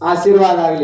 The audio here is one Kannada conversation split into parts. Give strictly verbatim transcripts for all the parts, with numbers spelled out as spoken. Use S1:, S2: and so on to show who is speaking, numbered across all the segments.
S1: ಆಶೀರ್ವಾದ ಆಗಲಿ.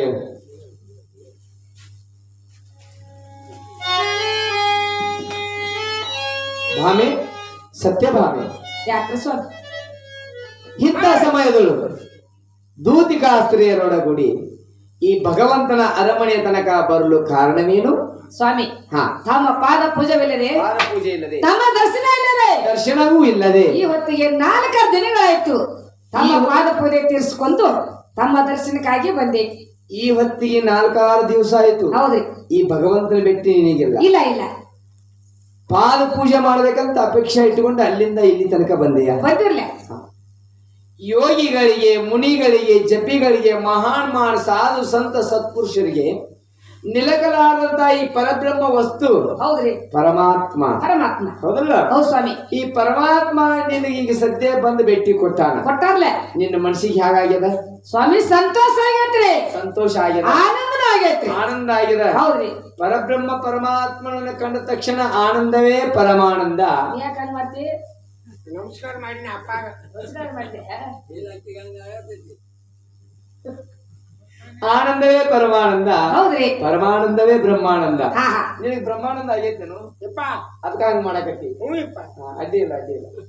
S1: ಭಾಮೆ, ಸತ್ಯಭಾಮೆ,
S2: ಯಾಕ್ರಿ ಸ್ವಾಮಿ
S1: ಇಂಥ ಸಮಯದಳು ದೂತಿಕಾಸ್ತ್ರೀಯರೊಡಗೂಡಿ ಈ ಭಗವಂತನ ಅರಮನೆಯ ತನಕ ಬರಲು ಕಾರಣವೇನು
S2: ಸ್ವಾಮಿ?
S1: ಹಾ,
S2: ತಮ್ಮ ಪಾದ ಪೂಜವಿಲ್ಲದೆ,
S1: ಪಾದ ಪೂಜೆ ಇಲ್ಲದೆ,
S2: ತಮ್ಮ ದರ್ಶನ ಇಲ್ಲದೆ,
S1: ದರ್ಶನವೂ ಇಲ್ಲದೆ
S2: ಈ ಹೊತ್ತಿಗೆ ನಾಲ್ಕಾರು ದಿನಗಳಾಯ್ತು. ತಮ್ಮ ಪಾದ ಪೂಜೆ ತೀರಿಸಿಕೊಂಡು ತಮ್ಮ ದರ್ಶನಕ್ಕಾಗಿ ಬಂದೆ.
S1: ಈ ಹೊತ್ತಿಗೆ ನಾಲ್ಕಾರು ದಿವಸ ಆಯ್ತು.
S2: ಹೌದ್ರಿ.
S1: ಈ ಭಗವಂತನ ಭೇಟಿ ನಿನಗಿಲ್ಲ.
S2: ಇಲ್ಲ ಇಲ್ಲ,
S1: ಪಾದ ಪೂಜೆ ಮಾಡ್ಬೇಕಂತ ಅಪೇಕ್ಷೆ ಇಟ್ಟುಕೊಂಡು ಅಲ್ಲಿಂದ ಇಲ್ಲಿ ತನಕ ಬಂದೆಯ.
S2: ಬಂದಿರ್ಲ.
S1: ಯೋಗಿಗಳಿಗೆ, ಮುನಿಗಳಿಗೆ, ಜಪಿಗಳಿಗೆ, ಮಹಾನ್ ಮಹಾನ್ ಸಾಧು ಸಂತ ಸತ್ಪುರುಷರಿಗೆ ನಿಲಕಲಾದಂತ ಈ ಪರಬ್ರಹ್ಮ ವಸ್ತು
S2: ಹೌದ್ರಿ,
S1: ಪರಮಾತ್ಮ.
S2: ಪರಮಾತ್ಮ
S1: ಹೌದಲ್ಲ?
S2: ಹೌದು ಸ್ವಾಮಿ.
S1: ಈ ಪರಮಾತ್ಮ ನಿನಗೆ ಈಗ ಸದ್ಯ ಬಂದು ಭೇಟಿ ಕೊಟ್ಟಾನ.
S2: ಕೊಟ್ಟಾರ್ಲೆ.
S1: ನಿನ್ನ ಮನಸ್ಸಿಗೆ ಹೇಗಾಗ್ಯದ
S2: ಸ್ವಾಮಿ? ಸಂತೋಷ ಆಗೈತ್ರಿ,
S1: ಸಂತೋಷ ಆಗ್ಯದ,
S2: ಆನಂದನ ಆಗೈತ್ರಿ,
S1: ಆನಂದ ಆಗ್ಯದ.
S2: ಹೌದ್ರಿ.
S1: ಪರಬ್ರಹ್ಮ ಪರಮಾತ್ಮನನ್ನ ಕಂಡ ತಕ್ಷಣ ಆನಂದವೇ ಪರಮಾನಂದ.
S2: ಯಾಕಂದ್ ಮಾಡ್ತಿ?
S3: ನಮಸ್ಕಾರ ಮಾಡಿನ ಅಪ್ಪ.
S2: ನಮಸ್ಕಾರ ಮಾಡ್ತಿ.
S1: ಆನಂದವೇ ಪರಮಾನಂದ.
S2: ಹೌದ್ರಿ.
S1: ಪರಮಾನಂದವೇ ಬ್ರಹ್ಮಾನಂದ.
S2: ಹಾ ಹಾ.
S1: ನಿನಗೆ ಬ್ರಹ್ಮಾನಂದ ಆಗೈತೇನು?
S3: ಯಪ್ಪ
S1: ಅದಕ್ಕ ಹಂಗ ಮಾಡಕತ್ತಿ.
S3: ಹ್ಞೂ ಯಪ್ಪ.
S1: ಅಡ್ಡಿ ಇಲ್ಲ, ಅಡ್ಡಿ ಇಲ್ಲ.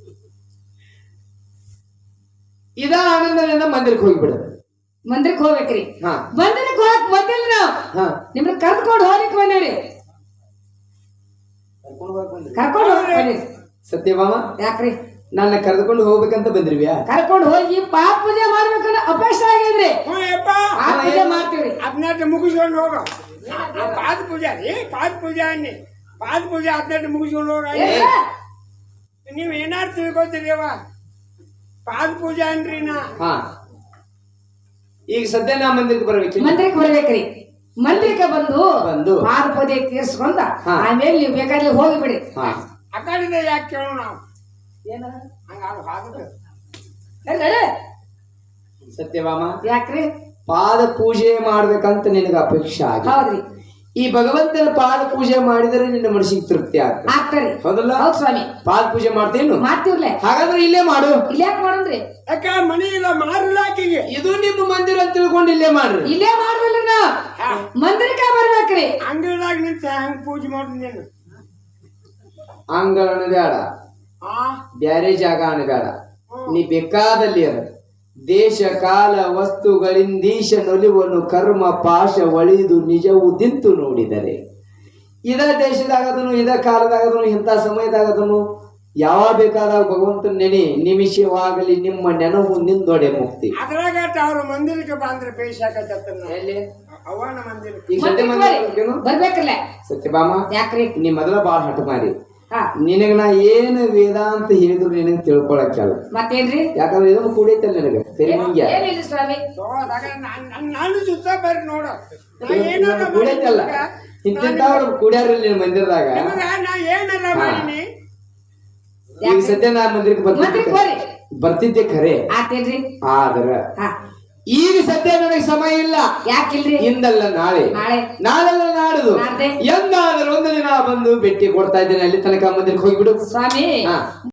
S1: ಇದ ಆನಂದದಿಂದ ಮಂದಿರಕ್ಕೆ ಹೋಗಿಬಿಡದ.
S2: ಮಂದಿರಕ್ಕೆ ಹೋಗ್ಬೇಕ್ರಿ.
S1: ಹಾ,
S2: ಮಂದಿರಕ್ಕೆ ಹೋಗಕ್ ಬಂದಿಲ್ಲ ನಾವು.
S1: ಹಾ,
S2: ನಿಮ್ನ ಕರ್ಕೊಂಡು ಹೋಗ್ಲಿಕ್ಕೆ ಬಂದೇವ್ರಿ. ಕರ್ಕೊಂಡು ಹೋಗಕ್ ಬಂದಿರಿ.
S1: ಸತ್ಯಭಾಮ,
S2: ಯಾಕ್ರಿ?
S1: ನನ್ನ ಕರೆದುಕೊಂಡು ಹೋಗ್ಬೇಕಂತ ಬಂದ್ರಿವ್ಯಾ?
S2: ಕರ್ಕೊಂಡು ಹೋಗಿ ಪಾದ ಪೂಜೆ ಮಾಡ್ಬೇಕನ್ನ ಅಪೇಕ್ಷೆ ಆಗಿದ್ರಿ.
S3: ಹ್ಞೂ ಯಪ್ಪ.
S2: ಪಾದ ಪೂಜೆ ಮಾಡ್ತೀವ್ರಿ.
S3: ಹದಿನೆಂಟು ಮುಗಿಸ್ಕೊಂಡು ಹೋಗ. ಪಾದ ಪೂಜಾ ರೀ, ಪಾದ ಪೂಜಾ ಅನ್ನಿ. ಪಾದ ಪೂಜೆ ಹದಿನೆಂಟು ಮುಗಿಸ್ಕೊಂಡು ಹೋಗ.
S2: ಏನ್ರ?
S3: ನೀವು ಏನಾರು ತಿಳ್ಕೊತೀರಿ ಅವ. ಪಾದ ಪೂಜಾ ಅನ್ರಿ ನಾ.
S1: ಹಾ, ಈಗ ಸದ್ಯ ನಾ ಮಂದಿರಕ್ಕೆ ಬರ್ಬೇಕಿಲ್ಲ.
S2: ಮಂದಿರಕ್ಕೆ ಬರ್ಬೇಕ್ರಿ. ಮಂದಿರಕ್ಕೆ ಬಂದು
S1: ಬಂದು
S2: ಪಾದ ಪೂಜೆ ತೀರ್ಸ್ಕೊಂಡ
S1: ಹಾ.
S2: ಆಮೇಲೆ ನೀವು ಬೇಕಾದ್ರೆ ಹೋಗಿಬಿಡಿ.
S1: ಹಾ,
S3: ಆ ಕಡೆಯಿಂದ ಯಾಕೆ ಕೇಳೋಣ ನಾವು?
S2: ಏನ
S3: ಹಂಗ ಹಾಕುದು.
S1: ಸತ್ಯಭಾಮ,
S2: ಯಾಕ್ರಿ?
S1: ಪಾದ ಪೂಜೆ ಮಾಡ್ಬೇಕಂತ ನಿನಗೆ ಅಪೇಕ್ಷೆ ಆಗಿ.
S2: ಹೌದ್ರಿ.
S1: ಈ ಭಗವಂತನ ಪಾದ ಪೂಜೆ ಮಾಡಿದರೆ ನಿನ್ನ ಮನಸ್ಸಿಗೆ ತೃಪ್ತಿ ಆಗ್ತದೆ.
S2: ಆಗ್ತಾರಿ.
S1: ಹೌದಲ್ಲ?
S2: ಹೌದ್ ಸ್ವಾಮಿ.
S1: ಪಾದ ಪೂಜೆ ಮಾಡ್ತೇನು?
S2: ಮಾಡ್ತೀವ್ಲೆ.
S1: ಹಾಗಾದ್ರೆ ಇಲ್ಲೇ ಮಾಡು.
S2: ಇಲ್ಲೇ ಯಾಕೆ ಮಾಡೋಣ್ರಿ?
S3: ಯಾಕ ಮನಿ ಇಲ್ಲ ಮಾರಿಲ್ಲ ಆಕಿಗೆ.
S1: ಇದು ನಿಮ್ಮ ಮಂದಿರ ಅಂತ ತಿಳ್ಕೊಂಡು ಇಲ್ಲೇ ಮಾಡ್ರಿ.
S2: ಇಲ್ಲೇ ಮಾಡುದಿಲ್ಲ ನಾವು. ಮಂದಿರಕ್ಕೆ ಬರ್ಬೇಕ್ರಿ.
S3: ಅಂಗಡಿದಾಗ ನಿಂತ ಹಂಗ ಪೂಜೆ ಮಾಡ್ತೀನಿ ನೀನು.
S1: ಅಂಗಳ ಅಣಗಾಡ,
S3: ಆ
S1: ಬ್ಯಾರೆ ಜಾಗ ಅಣಗಾಡ, ನೀ ಬೇಕಾದಲ್ಲಿ ಅದ. ದೇಶ ಕಾಲ ವಸ್ತುಗಳಿಂದೀಶ ನೊಲಿವನು ಕರ್ಮ ಪಾಶ ಒಳಿದು ನಿಜವು ದಿಂತು ನೋಡಿದರೆ ಇದ ದೇಶದಾಗದನು, ಇದ ಕಾಲದಾಗದನು, ಇಂಥ ಸಮಯದಾಗದನು, ಯಾವಾಗ ಬೇಕಾದಾಗ ಭಗವಂತನ ನೆನೆ ನಿಮಿಷವಾಗಲಿ ನಿಮ್ಮ ನೆನಹು ನಿಂದೊಡೆ ಮುಕ್ತಿ.
S3: ಅದ್ರಾಗ ಅವ್ರ ಮಂದಿರಕ್ಕೆ ಬಂದ್ರೆ ಬೇಸಾಕತ್ತ
S1: ಎಲ್ಲಿ
S3: ಅವನ ಮಂದಿರ.
S1: ಈಗ ಸತ್ಯ ಮಂದಿರ
S2: ಬರ್ಬೇಕಲ್ಲ.
S1: ಸತ್ಯಭಾಮ,
S2: ಯಾಕ್ರಿ?
S1: ನೀ ಮೊದಲ ಬಾಳ ಹಠ ಮಾಡಿ.
S2: ಹಾ,
S1: ನಿನಗ ನಾ ಏನು ವೇದಾಂತ ಹೇಳಿದ್ರು ನಿನಗೆ ತಿಳ್ಕೊಳಕ್ಕಲ್ಲ.
S2: ಮತ್ತೇನ್ರಿ?
S1: ಯಾಕಂದ್ರೆ ಇದನ್ನು ಕೂಡೈತಲ್ಲ ನಿನಗೆ ತೆರಿಮಂಗ್ಯ
S2: ಏನಿಲ್ಲ ಸ್ವಾಮಿ.
S3: ನಾನು ಸುತ್ತ ಬರ್ರಿ ನೋಡ. ನಾ ಏನಾರ
S1: ಕೂಡೈತಲ್ಲ, ಇಂಥವ್ರು ಕೂಡ್ಯಾರ ನಿನ್ನ ಮಂದಿರದಾಗ.
S3: ನಿಮಗ ನಾ ಏನಾರ ಮಾಡೀನಿ.
S1: ಈಗ ಸದ್ಯ ನಾ ಮಂದಿರಕ್ಕೆ
S2: ಮಂದಿರಕ್ಕೆ
S1: ಬರ್ತಿದ್ದೆ
S2: ಬರ್ರಿ.
S1: ಬರ್ತಿದ್ದೆ ಖರೆ.
S2: ಆತೇನ್ರಿ?
S1: ಆದ್ರ
S2: ಹಾ,
S1: ಈಗ ಸದ್ಯ ನನಗೆ ಸಮಯ ಇಲ್ಲ.
S2: ಯಾಕಿಲ್ರಿ?
S1: ಇಂದಲ್ಲ ನಾಳೆ,
S2: ನಾಳೆ
S1: ನಾಳೆಲ್ಲ ನಾಡುದು,
S2: ನಾಡ್ದೆ
S1: ಎಂದಾದ್ರೂ ಒಂದು ದಿನ ಬಂದು ಭೇಟಿ ಕೊಡ್ತಾ ಇದ್ದೇನೆ. ಅಲ್ಲಿ ತನಕ ಮಂದಿರಕ್ಕೆ ಹೋಗ್ಬಿಡು
S2: ಸ್ವಾಮಿ.
S1: ಹಾ.